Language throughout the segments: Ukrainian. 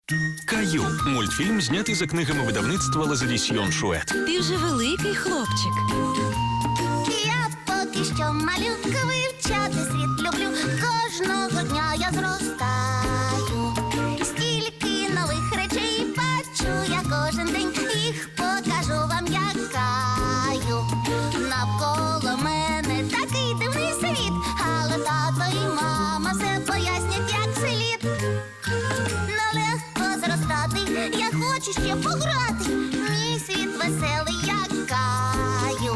Каю – мультфільм, знятий за книгами видавництва Лазадісьйон Шует. Ти вже великий хлопчик. Я поки що малюка, вивчати світ люблю. Кожного дня я зростаю. Стільки нових речей бачу я кожен день. Їх покажу вам, як Каю. Навколо мене такий дивний світ, але тато і мама все пояснять, як слід. Нелегко зростати, я хочу ще пограти. Мій світ веселий, як Каю.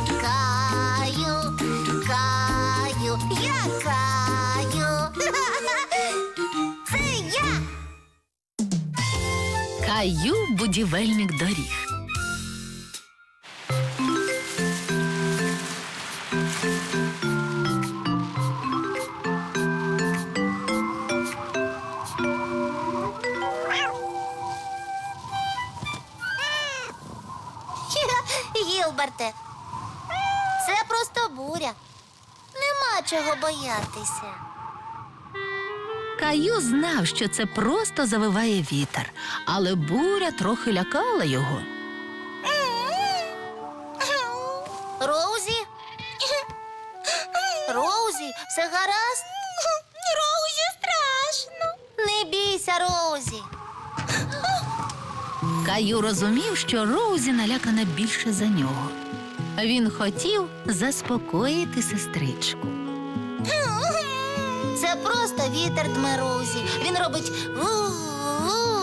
Каю, Каю, я Каю. Це я. Каю – будівельник доріг. Гілберте, це просто буря. Нема чого боятися. Каю знав, що це просто завиває вітер, але буря трохи лякала його. Роузі? Роузі, все гаразд? Роузі, страшно. Не бійся, Роузі. Каю розумів, що Роузі налякана більше за нього. Він хотів заспокоїти сестричку. Це просто вітер дме Роузі. Він робить ву-ву-ву.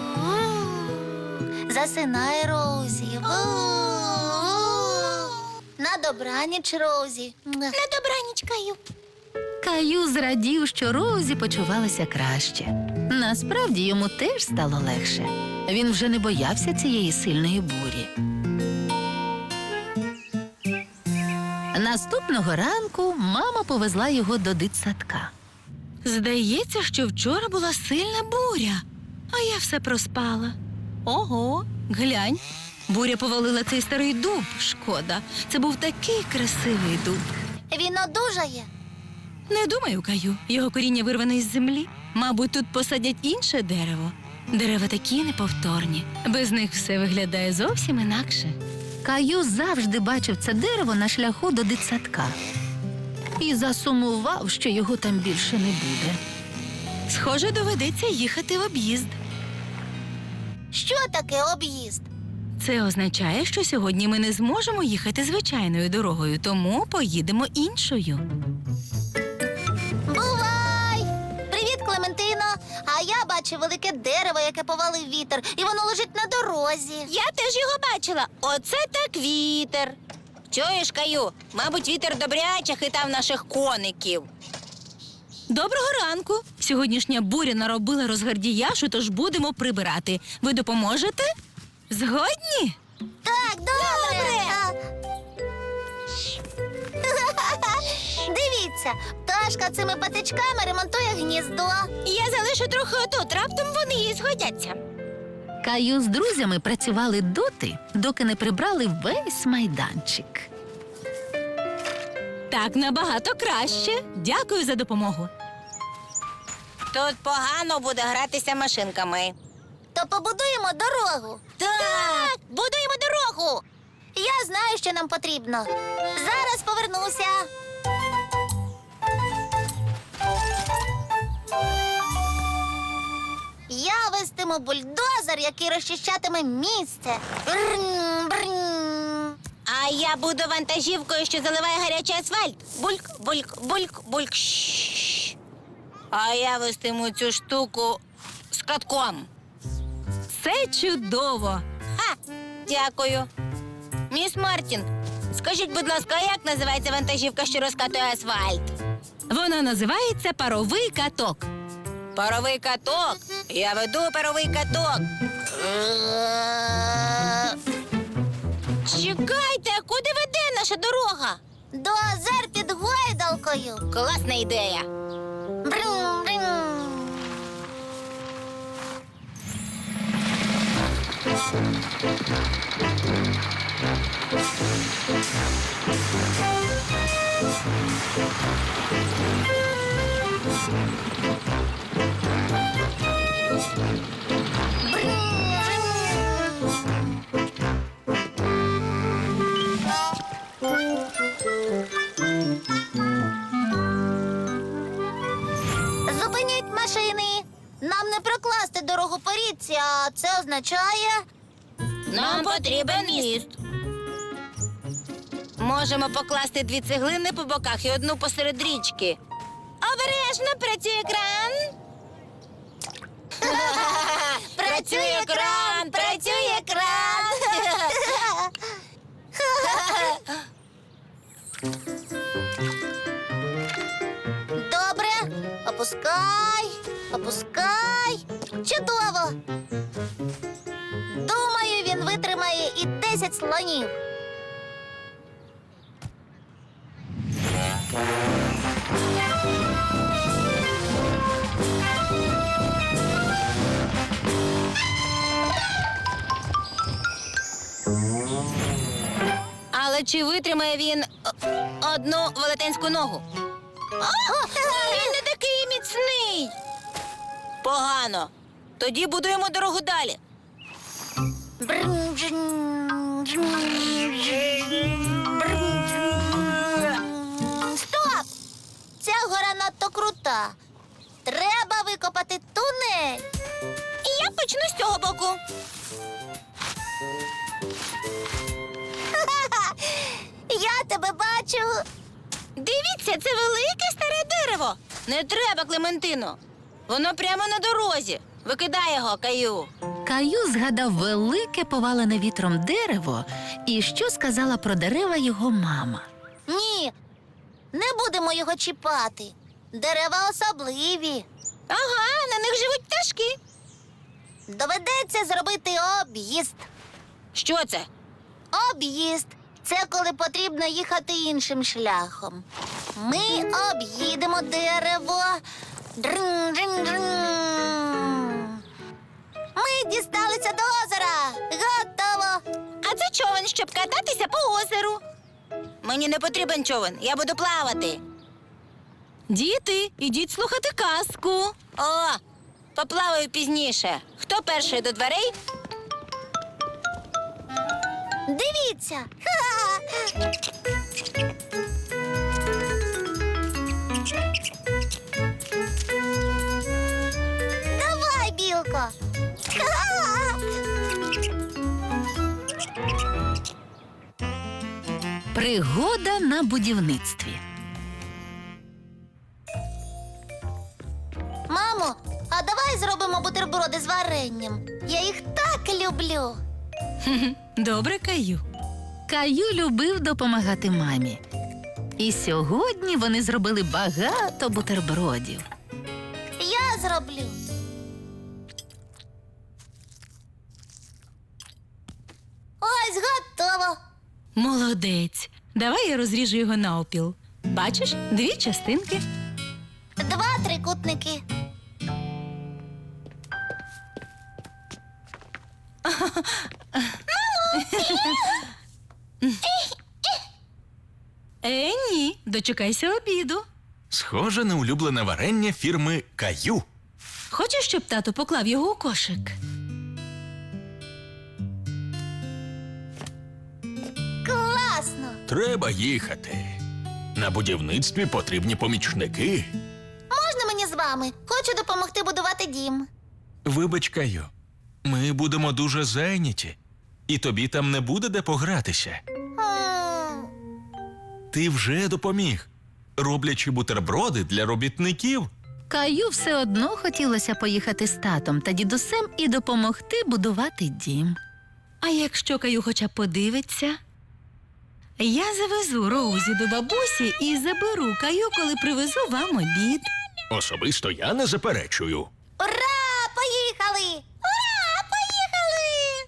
Засинай, Роузі. Ву-ву-ву. На добраніч, Роузі. На добраніч, Каю. Каю зрадів, що Роузі почувалася краще. Насправді йому теж стало легше. Він вже не боявся цієї сильної бурі. Наступного ранку мама повезла його до дитсадка. Здається, що вчора була сильна буря, а я все проспала. Ого, глянь, буря повалила цей старий дуб. Шкода, це був такий красивий дуб. Він одужає. Не думаю, Каю, його коріння вирване із землі. Мабуть, тут посадять інше дерево. Дерева такі неповторні. Без них все виглядає зовсім інакше. Каю завжди бачив це дерево на шляху до дитсадка. І засумував, що його там більше не буде. Схоже, доведеться їхати в об'їзд. Що таке об'їзд? Це означає, що сьогодні ми не зможемо їхати звичайною дорогою, тому поїдемо іншою. Бувай! Привіт, Клементино! А я бачу велике дерево, яке повалив вітер, і воно лежить на дорозі. Я теж його бачила. Оце так вітер. Чуєш, Каю? Мабуть, вітер добряче хитав наших коників. Доброго ранку! Сьогоднішня буря наробила розгардіяшу, тож будемо прибирати. Ви допоможете? Згодні? Так, добре. Дивіться, пташка цими патичками ремонтує гніздо. Я залишу трохи отут, раптом вони їй згодяться. Каю з друзями працювали доти, доки не прибрали весь майданчик. Так набагато краще. Дякую за допомогу. Тут погано буде гратися машинками. То побудуємо дорогу. Так, будуємо дорогу. Я знаю, що нам потрібно. Зараз повернуся. Я вестиму бульдозер, який розчищатиме місце. Брррн, брррн. А я буду вантажівкою, що заливає гарячий асфальт. Бульк, бульк, бульк, бульк. Шш. А я вестиму цю штуку з катком. Це чудово! Ха, дякую. Міс Мартін, скажіть, будь ласка, як називається вантажівка, що розкатує асфальт? Вона називається паровий каток. Паровий каток? Я веду паровий каток. Чекайте, а куди веде наша дорога? До озер під гойдалкою. Класна ідея. Брррн, брррн. машини. Нам не прокласти дорогу по річці, а це означає... Нам потрібен міст. Можемо покласти 2 цеглини по боках і 1 посеред річки. Обережно, працює кран. Працює кран, працює кран. Добре. Опускай, опускай. Чудово. Думаю, він витримає і 10 слонів. Але чи витримає він одну велетенську ногу? Він не такий міцний. Погано. Тоді будуємо дорогу далі. Стоп! Ця гора надто крута. Треба викопати тунель. І я почну з цього боку. Я тебе бачу. Дивіться, це велике старе дерево. Не треба, Клементино. Воно прямо на дорозі. Викидай його, Каю. Каю згадав велике повалене вітром дерево і що сказала про дерева його мама. Ні, не будемо його чіпати. Дерева особливі. Ага, на них живуть пташки. Доведеться зробити об'їзд. Що це? Об'їзд. Це коли потрібно їхати іншим шляхом. Ми об'їдемо дерево. Дрин-дрин-дрин. Ми дісталися до озера. Готово. А це човен, щоб кататися по озеру. Мені не потрібен човен, я буду плавати. Діти, ідіть слухати казку. О, поплаваю пізніше. Хто перший до дверей? Дивіться. Ха-ха. Давай, білко. Ха-ха. Пригода на будівництві. Мамо, а давай зробимо бутерброди з варенням. Я їх так люблю. Добре, Каю. Каю любив допомагати мамі. І сьогодні вони зробили багато бутербродів. Я зроблю. Ось готово. Молодець. Давай я розріжу його навпіл. Бачиш, 2 частинки. 2 трикутники. Ні, дочекайся обіду. Схоже на улюблене варення фірми Каю. Хочеш, щоб тато поклав його у кошик? Класно. Треба їхати. На будівництві потрібні помічники. Можна мені з вами? Хочу допомогти будувати дім. Вибач, Каю, ми будемо дуже зайняті, і тобі там не буде де погратися. М, Ти вже допоміг, роблячи бутерброди для робітників. Каю все одно хотілося поїхати з татом та дідусем і допомогти будувати дім. А якщо Каю хоча б подивиться? Я завезу Роузі до бабусі і заберу Каю, коли привезу вам обід. Особисто я не заперечую. Ура! Поїхали! Ура! Поїхали!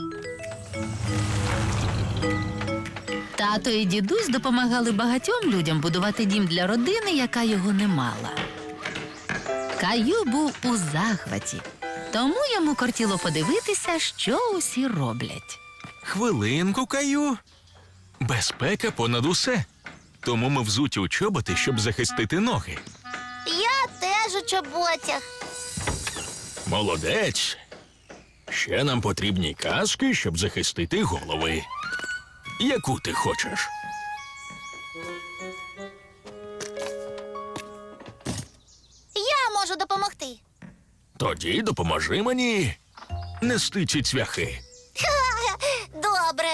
Тато і дідусь допомагали багатьом людям будувати дім для родини, яка його не мала. Каю був у захваті, тому йому кортіло подивитися, що усі роблять. Хвилинку, Каю. Безпека понад усе. Тому ми взуті у чоботи, щоб захистити ноги. Я теж у чоботях. Молодець. Ще нам потрібні каски, щоб захистити голови. Яку ти хочеш? Я можу допомогти. Тоді допоможи мені нести ці цвяхи. Добре.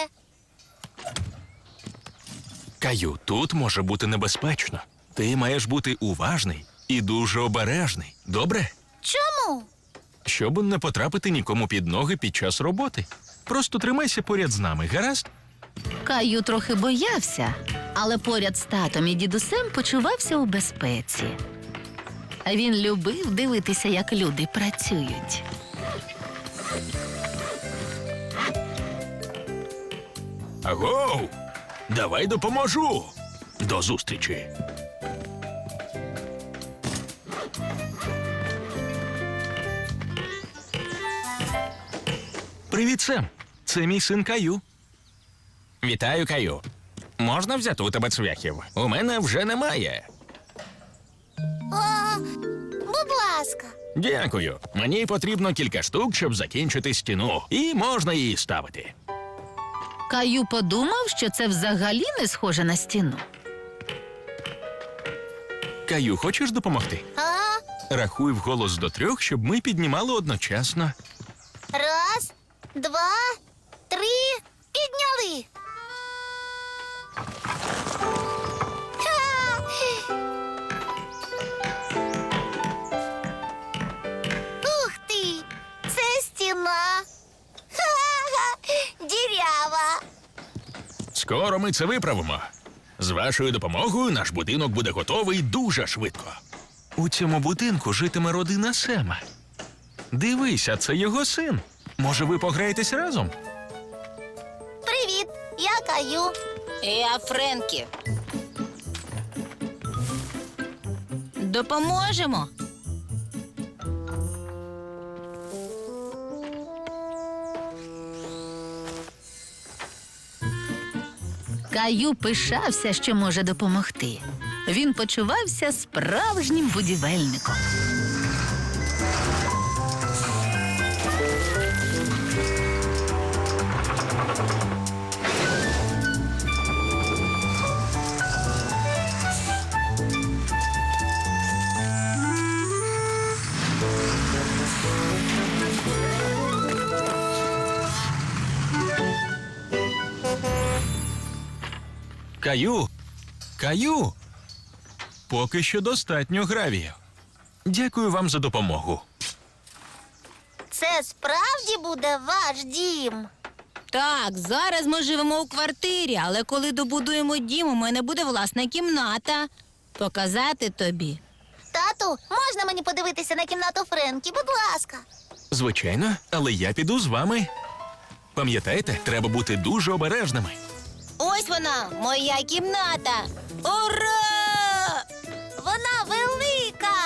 Каю, тут може бути небезпечно. Ти маєш бути уважний і дуже обережний. Добре? Чому? Щоб не потрапити нікому під ноги під час роботи. Просто тримайся поряд з нами, гаразд? Каю трохи боявся, але поряд з татом і дідусем почувався у безпеці. А він любив дивитися, як люди працюють. Агоу! Давай допоможу! До зустрічі! Привіт, Сем! Це мій син Каю. Вітаю, Каю. Можна взяти у тебе цвяхів? У мене вже немає. Будь ласка. Дякую. Мені потрібно кілька штук, щоб закінчити стіну. І можна її ставити. Каю подумав, що це взагалі не схоже на стіну. Каю, хочеш допомогти? Рахуй вголос до 3, щоб ми піднімали одночасно. 1, 2, 3. Підняли. Ха! Ух ти! Це стіна. Ха-ха! Дірява. Скоро ми це виправимо. З вашою допомогою наш будинок буде готовий дуже швидко. У цьому будинку житиме родина Сема. Дивися, це його син. Може, ви пограєтесь разом? Привіт, я Каю. Я Френкі. Допоможемо. Каю пишався, що може допомогти. Він почувався справжнім будівельником. Каю! Каю! Поки що достатньо гравію. Дякую вам за допомогу. Це справді буде ваш дім. Так, зараз ми живемо у квартирі, але коли добудуємо дім, у мене буде власна кімната. Показати тобі. Тату, можна мені подивитися на кімнату Френкі, будь ласка. Звичайно, але я піду з вами. Пам'ятаєте, треба бути дуже обережними. Ось вона, моя кімната. Ура! Вона велика.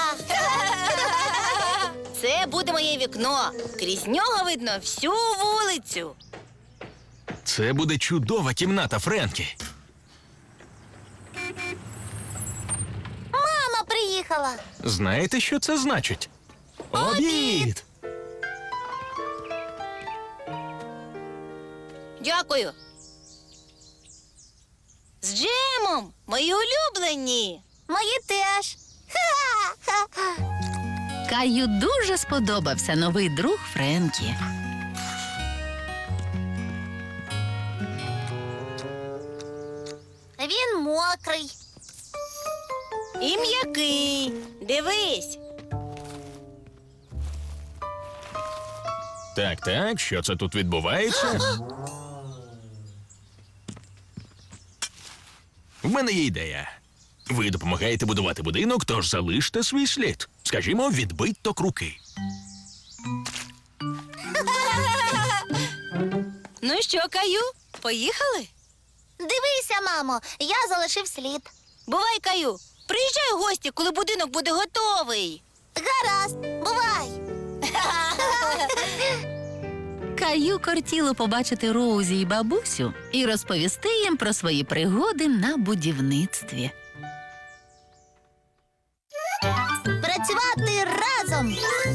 Це буде моє вікно. Крізь нього видно всю вулицю. Це буде чудова кімната, Френкі. Мама приїхала. Знаєте, що це значить? Обід! Дякую. З джемом, мої улюблені. Мої теж. Ха-ха-ха. Каю дуже сподобався новий друг Френкі. Він мокрий. І м'який. Дивись. Так, що це тут відбувається? В мене є ідея. Ви допомагаєте будувати будинок, тож залиште свій слід. Скажімо, відбиток руки. Ну що, Каю, поїхали? Дивися, мамо, я залишив слід. Бувай, Каю. Приїжджай у гості, коли будинок буде готовий. Гаразд, бувай. Каю кортіло побачити Роузі і бабусю і розповісти їм про свої пригоди на будівництві. Працювати разом.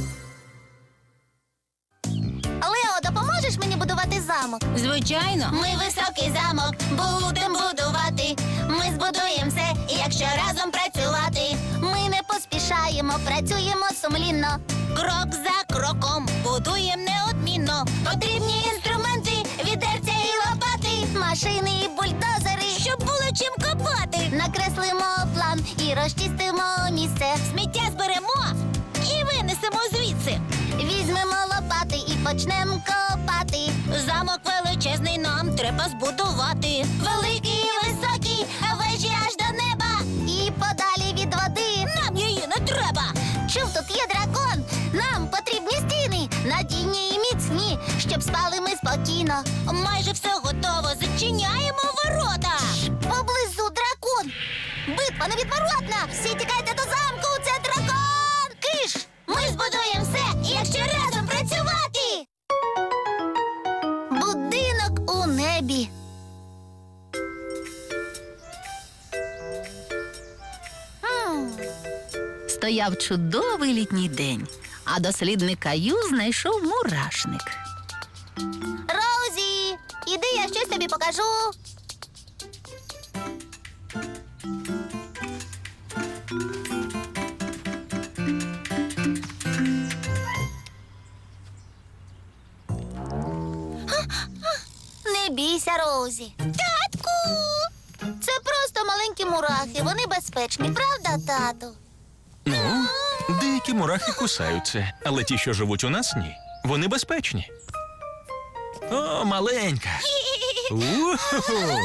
Лео, допоможеш мені будувати замок? Звичайно. Ми високий замок будемо будувати. Ми збудуємо все, якщо разом працювати. Ми не поспішаємо, працюємо сумлінно. Крок за кроком, будуєм неодмінно. Потрібні інструменти, відерця і лопати, Машини і бульдозери. щоб було чим копати. Накреслимо план і розчистимо місце. Сміття зберемо і винесемо звідси. Візьмемо лопати і почнемо копати. Замок величезний нам треба збудувати. Великий і високий, вежі аж до неба. І подалі від води. Нам її не треба. Чув, тут є дракон. Нам потрібні стіни, надійні і міцні, щоб спали ми спокійно. Майже все готово. Зачиняємо ворота. Поблизу дракон. Битва невідворотна. Всі тікайте до замку. Це дракон. Киш! Ми збудуємо все, якщо разом працювати. Будинок у небі. Стояв чудовий літній день, а дослідник Каю знайшов мурашник. Роузі, іди, я щось тобі покажу. Не бійся, Роузі. Татку! Це просто маленькі мурахи, вони безпечні, правда, тату? Ну, деякі мурахи кусаються, але ті, що живуть у нас, ні. Вони безпечні. О, маленька. У-ху-ху.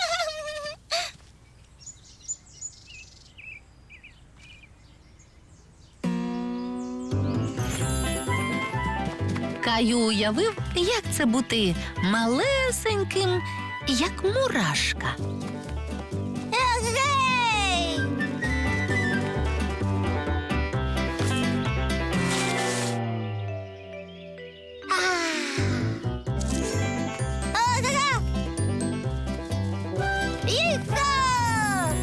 Каю уявив, як це бути малесеньким, як мурашка. Егей! Ага! Їхо!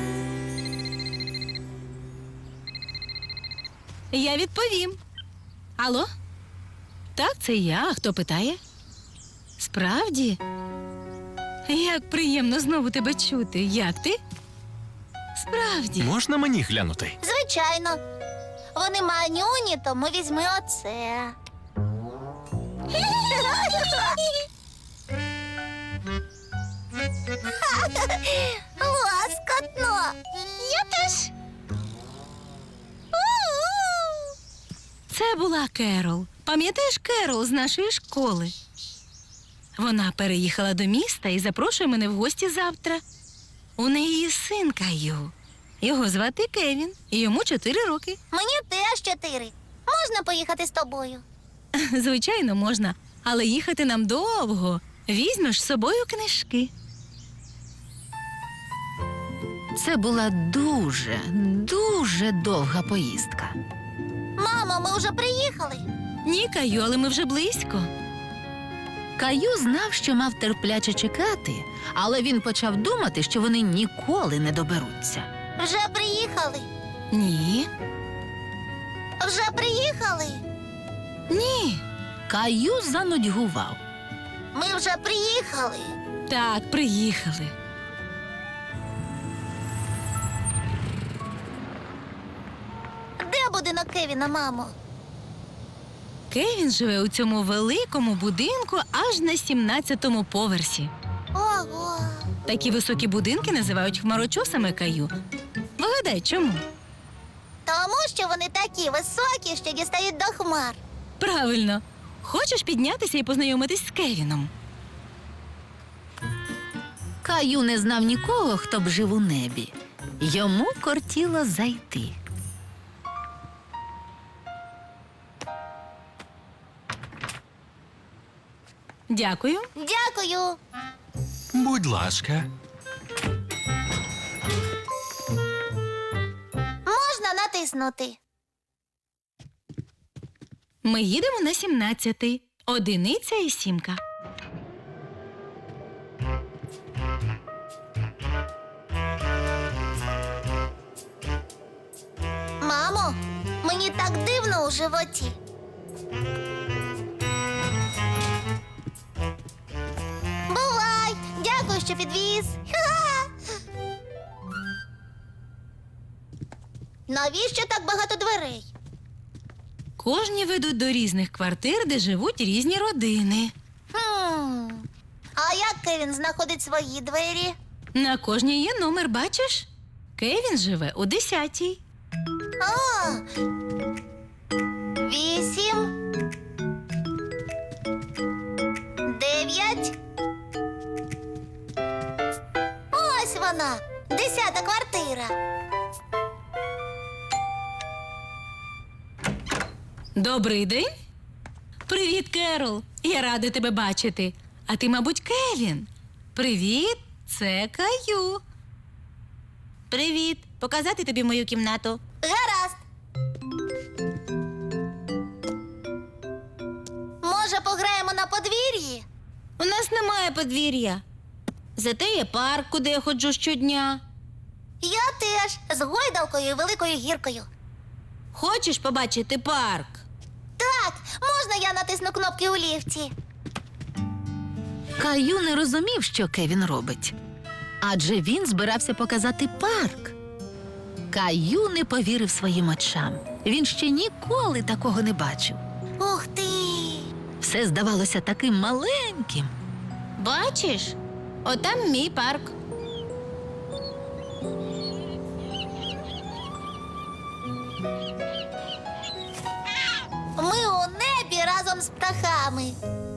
Я відповім. Алло? Так, це я. А хто питає? Справді? Як приємно знову тебе чути. Як ти? Справді. Можна мені глянути? Звичайно. Вони манюні, тому візьми оце. Лоскотно. Я теж. Це була Керол. Пам'ятаєш Керол з нашої школи? Вона переїхала до міста і запрошує мене в гості завтра. У неї є син Каю. Його звати Кевін, і йому 4 роки. Мені теж 4. Можна поїхати з тобою? Звичайно, можна, але їхати нам довго. Візьмеш з собою книжки. Це була дуже, дуже довга поїздка. Мамо, ми вже приїхали. Ні, Каю, але ми вже близько. Каю знав, що мав терпляче чекати, але він почав думати, що вони ніколи не доберуться. Вже приїхали. Ні. Вже приїхали. Ні. Каю занудьгував. Ми вже приїхали. Так, приїхали. Де будинок Кевіна, мамо? Кевін живе у цьому великому будинку аж на 17-му поверсі. Ого. Такі високі будинки називають хмарочосами, Каю. Вигадай, чому? Тому що вони такі високі, що дістають до хмар. Правильно. Хочеш піднятися і познайомитись з Кевіном? Каю не знав нікого, хто б жив у небі. Йому кортіло зайти. Дякую. Дякую. Будь ласка. Можна натиснути. Ми їдемо на 17-й. 1 і 7. Мамо, мені так дивно у животі. Бувай! Дякую, що підвіз. Ха-ха. Навіщо так багато дверей? Кожні ведуть до різних квартир, де живуть різні родини. А як Кевін знаходить свої двері? На кожній є номер, бачиш? Кевін живе у 10-й. О! 8. 9. Ось вона, 10-та квартира. Добрий день. Привіт, Керол. Я рада тебе бачити. А ти, мабуть, Кевін. Привіт, це Каю. Привіт. Показати тобі мою кімнату? Гаразд. Може, пограємо на подвір'ї? У нас немає подвір'я. Зате є парк, куди я ходжу щодня. Я теж, з гойдалкою і великою гіркою. Хочеш побачити парк? Так, можна я натисну кнопки у ліфті? Каю не розумів, що Кевін робить. Адже він збирався показати парк. Каю не повірив своїм очам. Він ще ніколи такого не бачив. Ух ти! Все здавалося таким маленьким. Бачиш? Отам мій парк. Ми у небі разом з птахами.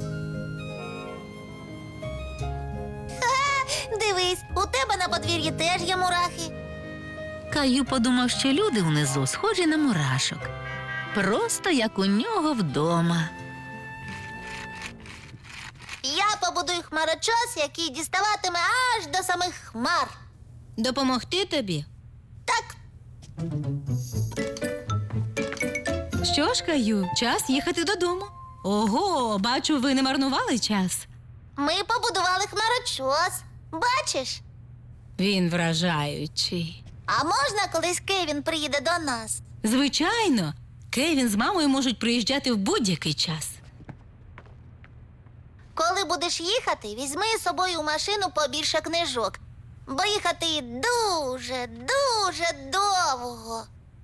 Ха, дивись, у тебе на подвір'ї теж є мурахи. Каю подумав, що люди внизу схожі на мурашок. Просто як у нього вдома. Я побудую хмарочос, який діставатиме аж до самих хмар. Допомогти тобі? Так, Що ж, Каю, час їхати додому. Ого, бачу, ви не марнували час. ми побудували хмарочос. Бачиш? Він вражаючий. А можна, колись Кевін приїде до нас? Звичайно, Кевін з мамою можуть приїжджати в будь-який час. Коли будеш їхати, візьми з собою в машину побільше книжок. Бо їхати дуже, дуже довго.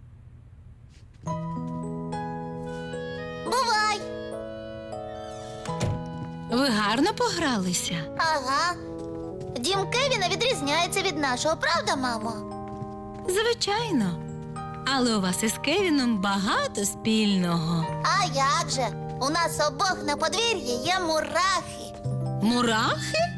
Бувай! Ви гарно погралися. Ага. Дім Кевіна відрізняється від нашого, правда, мамо? Звичайно. Але у вас із Кевіном багато спільного. А як же? У нас обох на подвір'ї є мурахи. Мурахи?